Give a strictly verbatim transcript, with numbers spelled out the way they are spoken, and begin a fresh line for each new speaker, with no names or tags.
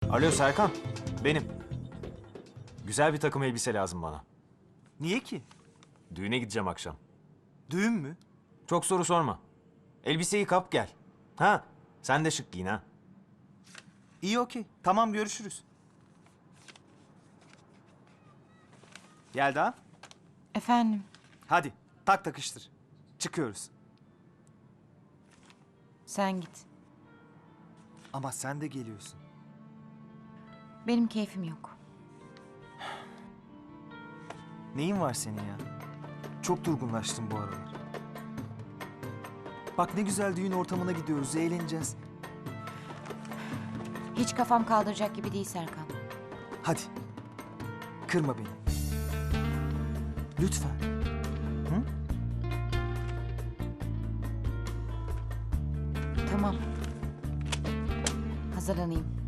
Alo Serkan, benim. Güzel bir takım elbise lazım bana.
Niye ki?
Düğüne gideceğim akşam.
Düğün mü?
Çok soru sorma. Elbiseyi kap gel. Ha, sen de şık giyin ha.
İyi okey. Tamam görüşürüz. Yelda,
Efendim,
hadi tak takıştır. Çıkıyoruz.
sen git.
Ama sen de geliyorsun.
Benim keyfim yok.
Neyin var senin ya? Çok durgunlaştın bu aralar. Bak ne güzel düğün ortamına gidiyoruz, eğleneceğiz.
Hiç kafam kaldıracak gibi değil Serkan.
Hadi. Kırma beni. Lütfen. Hı?
Tamam. Hazırlanayım.